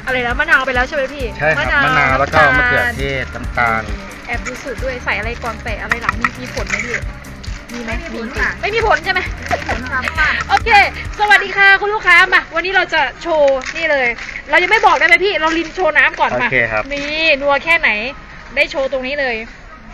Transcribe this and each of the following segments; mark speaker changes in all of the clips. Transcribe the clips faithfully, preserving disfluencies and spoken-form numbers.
Speaker 1: อะไรนะมะนาวไปแล้วใช่ไหมพี่
Speaker 2: ใช่ครับมะนาวแล้วก็มะเขือเทศน้ำตาล
Speaker 1: แอบดูสูตรด้วยใส่อะไรก่อนแปะอะไรหลังมีมีผลไหมพี่มีไหม
Speaker 3: ไม่มีผลค่ะ
Speaker 1: ไม่มีผลใช่ไหม
Speaker 3: ผลค่ะเพราะว่า
Speaker 1: โอเคสวัสดีค่ะคุณลูกค้ามาวันนี้เราจะโชว์นี่เลย เรายังไม่บอกได้ไหมพี่เราลินโชว์น้ำก่อน
Speaker 2: โอ
Speaker 1: มา
Speaker 2: เคครับ
Speaker 1: นี่นัวแค่ไหนได้โชว์ตรงนี้เลย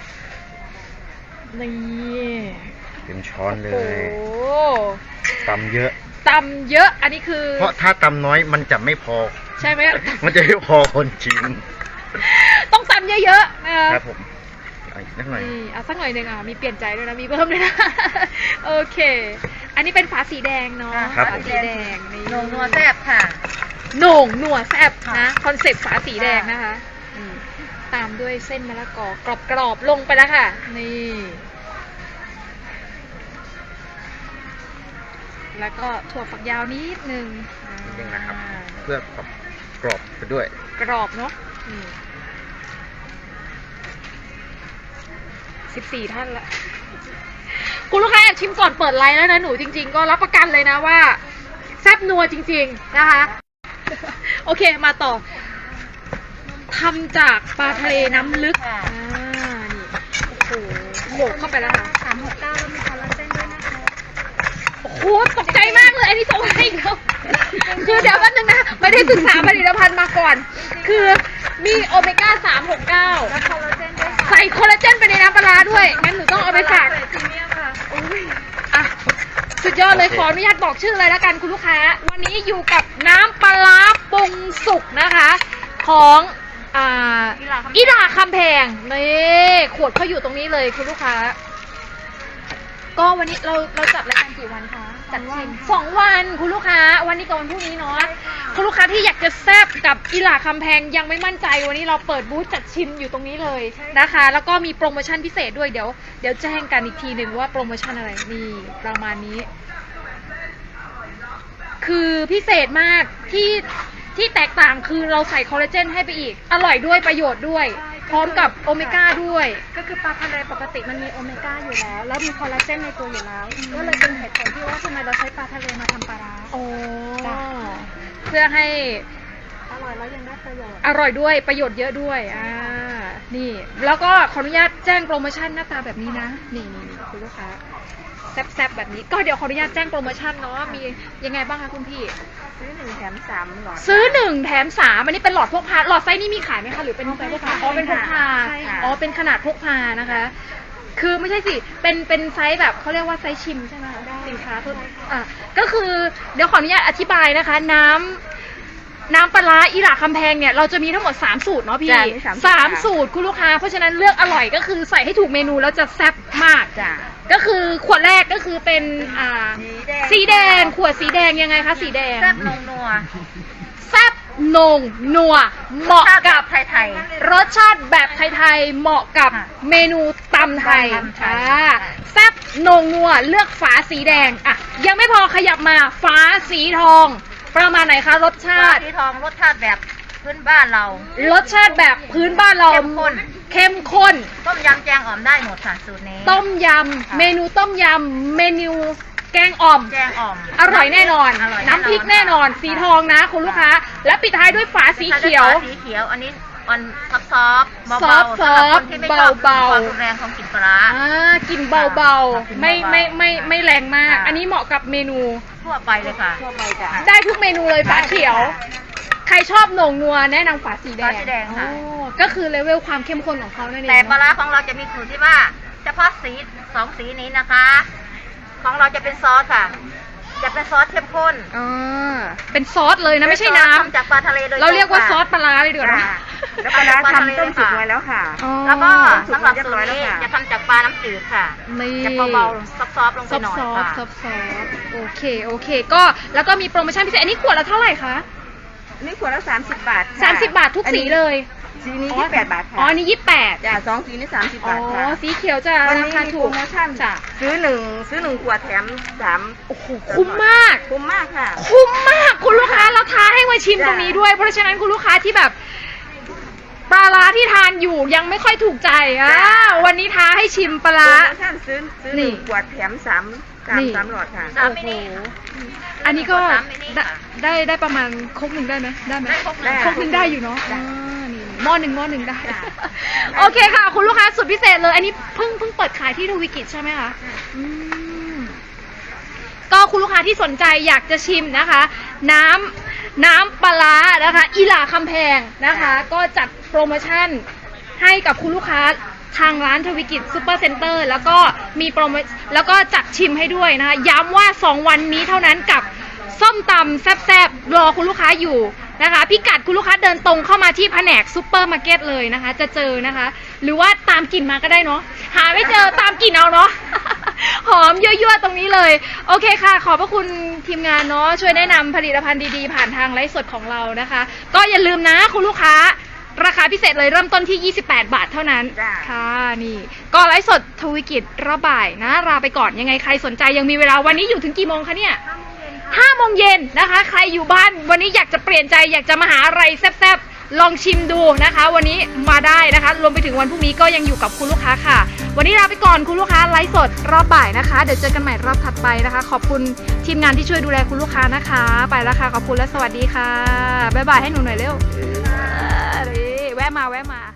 Speaker 1: นี่
Speaker 2: เต็มช้อนเล
Speaker 1: โอ้
Speaker 2: ย
Speaker 1: โห
Speaker 2: ตำเยอะ
Speaker 1: ตำเยอะอันนี้คือ
Speaker 2: เพราะถ้าตำน้อยมันจะไม่พอ
Speaker 1: ใช่ไหม
Speaker 2: มันจะไม่พอคนชิม
Speaker 1: ต้องตำเยอะๆนะคะ
Speaker 2: ครับผมเอาอีกนิดหน่อย
Speaker 1: นี่เอาสักหน่อยหนึ่งอ่ะมีเปลี่ยนใจด้วยนะมีเพิ่มด้วยนะ โอเค อันนี้เป็นฝาสีแดงเนาะ
Speaker 2: ครับ
Speaker 1: ฝา
Speaker 2: ผม
Speaker 1: สีแดงนี่
Speaker 3: นงนัวแซ่บค่ะ
Speaker 1: โหน่งหนัวแซ่บ
Speaker 3: ค่ะ
Speaker 1: นะคอนเซ็ปต์ฝาสีแดงนะคะอืมตามด้วยเส้นมะละกอกรอบๆลงไปแล้วค่ะนี่แล้วก็ถั่วฝักยาวนิดนึง
Speaker 2: นิดนึงนะครับ
Speaker 1: อ่า
Speaker 2: เพื่อความกรอบไปด้วย
Speaker 1: กรอบเนาะนี่สิบสี่ท่านละ คุณลูกค้าแอบชิมก่อนเปิดไลน์แล้วนะหนูจริงๆ ก็รับประกันเลยนะว่าแซ่บนัวจริงๆนะคะ โอเคมาต่อทำจากปลาทะเลน้ำลึก
Speaker 3: ค่ะ
Speaker 1: อ่านี่โอ้โหโหมกเข้าไปแล้วค่ะ
Speaker 3: สามหกเก้าแล้วมีคอลลาเจนด้วยนะคะ
Speaker 1: โอ้โหตกใจมากเลยอันนี้ส่งให้อีกแล้วคือเดี๋ยวแป๊บนึงนะไม่ได้ศึกษาผลิตภัณฑ์มาก่อน คือมีโอเมก้าสามหกเก้า
Speaker 3: แล้วคอลลาเจนด้วยค่ะ
Speaker 1: ใส่คอลลาเจนไปในน้ำปลาร้าด้วยงั้นหนูต้องเอาไปฝาก
Speaker 3: พรีเมียมค่ะ
Speaker 1: อ่ะสุดยอดเลย
Speaker 2: โอเค
Speaker 1: ขออนุญาตบอกชื่อเลยแล้วกันคุณลูกค้า วันนี้อยู่กับน้ำปลาร้าปรุงสุกนะคะ ของอ่า
Speaker 3: อีหลาคำแพง
Speaker 1: อีหลาคำแพงนี่ขวดเขาอยู่ตรงนี้เลยคุณลูกค้า ก็วันนี้เราเราจัดรายการกี่วันคะจัดชิมสองวันคุณลูกค้า วันนี้กับวันพรุ่งนี้เนาะคุณลูกค้าที่อยากจะแซ่บกับอีหลาคำแพงยังไม่มั่นใจวันนี้เราเปิดบูธจัดชิมอยู่ตรงนี้เลยนะคะ แล้วก็มีโปรโมชั่นพิเศษด้วยเดี๋ยวเดี๋ยวแจ้งกันอีกทีหนึ่งว่าโปรโมชั่นอะไรนี่ประมาณนี้ คือพิเศษมากที่ที่แตกต่างคือเราใส่คอลลาเจนให้ไปอีก อร่อยด้วยประโยชน์ด้วย พร้อมกับโอเมก้าด้วย
Speaker 3: ก็คือปลาทะเลปกติมันมีโอเมก้าอยู่แล้ว แล้วมีคอลลาเจนในตัวอยู่แล้ว ก็เลยเป็นเหตุผลที่ว่าทำไมเราใช้ปลาทะเลมาทำปลาร้า
Speaker 1: โอ้
Speaker 3: จ้ะ
Speaker 1: เพื่อให้
Speaker 3: อร่อยแล้วยังได้ประโยชน์
Speaker 1: อร่อยด้วยประโยชน์เยอะด้วยอ่านี่ แล้วก็ขออนุญาตแจ้งโปรโมชั่นหน้าตาแบบนี้นะ นี่นี่นี่คุณลูกค้าแซ่บๆแบบนี้ ก็เดี๋ยวขออนุญาตแจ้งโปรโมชั่นเนาะมียังไงบ้างคะคุณพี่
Speaker 3: ซื้อหนึ่งแถมสามหลอด
Speaker 1: ซื้อหนึ่งแถมสามอันนี้เป็นหลอดพกพาหลอดไซส์นี้มีขายไหมคะหรือเป็น
Speaker 3: อ๋อเป็น
Speaker 1: พกพา
Speaker 3: พกพา
Speaker 1: อ๋อเป็นพกพา
Speaker 3: ใช่ค่ะ
Speaker 1: อ๋อเป็นขนาดพกพานะคะ คือไม่ใช่สิเป็นเป็นไซส์แบบเขาเรียกว่าไซส์ชิมใช่ไหมคะสินค้าทั่วอ่ะก็คือเดี๋ยวขออนุญาตอธิบายนะคะ น้ำน้ำปลาร้าอีหร่าคำแพงเนี่ยเราจะมีทั้งหมดสามสูตรเนาะพี่
Speaker 3: จ้ะมีสามสูตร
Speaker 1: สามสูตรคุณลูกค้าเพราะฉะนั้นเลือกอร่อยก็คือใส่ให้ถูกเมนูแล้วจะแซ่บมาก
Speaker 3: จ้ะ
Speaker 1: ก็คือขวดแรกก็คือเป็นอ่า
Speaker 3: สีแดง
Speaker 1: สีแดงขวดสีแดงยังไงคะสีแดง
Speaker 3: แซ่บนงนัว
Speaker 1: แซ่บนงนัวเหมาะกับ
Speaker 3: ไทยไทย
Speaker 1: รสชาติแบบไทยๆเหมาะกับ
Speaker 3: ค่ะ
Speaker 1: เมนูตำไทย
Speaker 3: ตำไทย
Speaker 1: อ่าแซ่บนงนัวเลือกฝาสีแดงอ่ะยังไม่พอขยับมาฝาสีทอง ประมาณไหนคะรสชาติ
Speaker 3: สีทองรสชาติแบบพื้นบ้านเรา
Speaker 1: รสชาติแบบพื้นบ้านเรา
Speaker 3: เข้มข้น
Speaker 1: เข้มข้น
Speaker 3: ต้มยำแจงอ่อมได้หมดค่ะสูตรนี้
Speaker 1: ต้มย
Speaker 3: ค่ะ
Speaker 1: ำเมนูต้มยำเมนูแกงอ่อม
Speaker 3: แจงอ่อม
Speaker 1: อร่อยแน่นอน
Speaker 3: อร่อย
Speaker 1: น้ำพริกแน่นอน สีทองนะคุณลูกค้า และปิดท้ายด้วยฝาสีเขียว
Speaker 3: สีเขียวอันนี้ออนซอฟซอฟเบา
Speaker 1: ซอฟต์
Speaker 3: ๆสำหรับคนที่ไม่ชอบ
Speaker 1: เบาๆ
Speaker 3: ความรุนแรงของกลิ่นปลาร้า
Speaker 1: อ่ากลิ่นเบา
Speaker 3: ค่ะ
Speaker 1: ๆ ไม่ไม่ไม่ไม่แรงมาก
Speaker 3: ค่ะ
Speaker 1: อันนี้เหมาะกับเมนู
Speaker 3: ทั่วไปเลยค่ะทั่วไปจ้ะ
Speaker 1: ได้ทุกเมนูเลยฝาเขียว ใครชอบโหน่งนัวแนะนำฝาสีแดง
Speaker 3: ฝาสีแดงค่ะ
Speaker 1: โอ้ก็คือเลเวลความเข้มข้นของเขานั่นเอง
Speaker 3: แต่ปลา
Speaker 1: เนอะ
Speaker 3: ร้าของเราจะมีสูตรที่ว่าเฉพาะสีสองสีนี้นะคะ ของเราจะเป็นซอสค่ะ จะเป็นซอสเข้มข้น
Speaker 1: อ่าเป็นซอสเลยนะไม่ใช่น้ำ
Speaker 3: ทำจากปลาทะเลโดยตง
Speaker 1: เราเรียกว่า
Speaker 3: ค่ะ
Speaker 1: ซอสปลาร้าเลยดีกว่านะ
Speaker 3: ค่ะ
Speaker 4: แล้วปลาร้าทำต้มสุกไว้แล้วค่ะ
Speaker 1: อ๋อ
Speaker 3: แล้วก็สำหรับ
Speaker 4: เรียบ
Speaker 3: สู
Speaker 4: ร้
Speaker 3: ต
Speaker 4: อย
Speaker 3: ร
Speaker 4: แล้ว
Speaker 3: นี้
Speaker 4: ค่ะ
Speaker 3: จะทำจากปลาน้ำจืดค่ะ
Speaker 1: นี่
Speaker 3: จะเบาๆซอฟๆลงไป
Speaker 1: ซอฟ
Speaker 3: หน่อย
Speaker 1: ซอฟ
Speaker 3: ค่ะ
Speaker 1: ซอฟซอฟโอเคโอเค ก็แล้วก็มีโปรโมชั่นพิเศษอันนี้ขวดละเท่าไหร่คะ
Speaker 4: นี่ขวดละสามสิบบาทค่ะ
Speaker 1: สามสิบบาททุกสีเลย
Speaker 4: สีนี้ยี่สิบแปดบาทค่ะ
Speaker 1: อ๋ออันนี้ยี่สิบแปด
Speaker 4: จ้ะสองสีนี่สามสิบ
Speaker 1: อ๋อบ
Speaker 4: าทค่ะ
Speaker 1: สีเขียวจะ
Speaker 4: วัน
Speaker 1: รา
Speaker 4: นี้
Speaker 1: คา
Speaker 4: มี
Speaker 1: ถู
Speaker 4: โป
Speaker 1: ก
Speaker 4: รโมชั่น
Speaker 1: จ้ะ
Speaker 4: ซื้อหนึ่งซื้อหนึ่งขวดแถมสาม
Speaker 1: โอ้โหคุ้มมาก
Speaker 4: คุ้มมากค่ะ
Speaker 1: คุ้มมากคุณลูกค้าแล้วท้าให้มาชิม
Speaker 4: จ้ะ
Speaker 1: ตรงนี้ด้วย เพราะฉะนั้นคุณลูกค้าที่แบบปลาร้าที่ทานอยู่ยังไม่ค่อยถูกใจอ่าวันนี้ท้าให้ชิมปลา
Speaker 4: โปร
Speaker 1: ร้า
Speaker 4: โมชั่นซื้อซื้อหนึ่ง
Speaker 1: นี่
Speaker 4: ขวดแถมสามสาม
Speaker 1: นี่
Speaker 4: สามหลอดค่ะ
Speaker 3: สาม
Speaker 1: โอ้
Speaker 3: มิ
Speaker 1: โห
Speaker 3: นิ
Speaker 1: อันนี้ก็
Speaker 3: สามมินิ
Speaker 1: ได้
Speaker 3: ค่ะ
Speaker 1: ได้ได้ประมาณครกหนึ่งได้ไหมได้ไหม
Speaker 3: ได้ครกหนึ่ง
Speaker 1: ครกหนึ่งได้อยู่เนาะ
Speaker 4: ได้
Speaker 1: อ่านี่หม้อหนึ่งหม้อหนึ่งได้
Speaker 4: ได้
Speaker 1: โอเคค่ะ คุณลูกค้าสุดพิเศษเลย อันนี้เพิ่งเพิ่งเปิดขายที่ทวีกิจใช่ไหมคะอืมก็คุณลูกค้าที่สนใจอยากจะชิมนะคะ น้ำน้ำปลาร้านะคะอีหลาคำแพงนะคะ ก็จัดโปรโมชั่นให้กับคุณลูกค้าทางร้านทวิกิจซูเปอร์เซ็นเตอร์แล้วก็มีโปรโมแล้วก็จัดชิมให้ด้วยนะคะ ย้ำว่าสองวันนี้เท่านั้นกับส้มตำแซ่บๆรอคุณลูกค้าอยู่นะคะพิกัดคุณลูกค้าเดินตรงเข้ามาที่แผนกซูเปอร์มาร์เก็ตเลยนะคะ จะเจอนะคะ หรือว่าตามกลิ่นมาก็ได้เนาะหาไม่เจอตามกลิ่นเอาเนาะ หอมยั่วๆตรงนี้เลยโอเคค่ะ ขอบพระคุณทีมงานเนาะช่วยแนะนำผลิตภัณฑ์ดีๆผ่านทางไลฟ์สดของเรานะคะ ก็อย่าลืมนะคุณลูกค้าราคาพิเศษเลยเริ่มต้นที่ยี่สิบแปดบาทเท่านั้น
Speaker 4: จ้ะ
Speaker 1: ค่ะนี่ก็ไลฟ์สดทวีกิจรอบบ่ายนะลาไปก่อนยังไงใครสนใจยังมีเวลาวันนี้อยู่ถึงกี่โมงคะเนี่ยห้าโมงเย็นนะคะ ใครอยู่บ้านวันนี้อยากจะเปลี่ยนใจอยากจะมาหาอะไรแซ่บๆลองชิมดูนะคะ วันนี้มาได้นะคะ รวมไปถึงวันพรุ่งนี้ก็ยังอยู่กับคุณลูกค้าค่ะ วันนี้ลาไปก่อนคุณลูกค้าไลฟ์สดรอบบ่ายนะคะเดี๋ยวเจอกันใหม่รอบถัดไปนะคะ ขอบคุณทีมงานที่ช่วยดูแลคุณลูกค้านะคะ ไปแล้วค่ะขอบคุณและสวัสดีค่ะบ๊ายบายให้หนูหน่อยเร็วเออนี่แวะมาแวะมา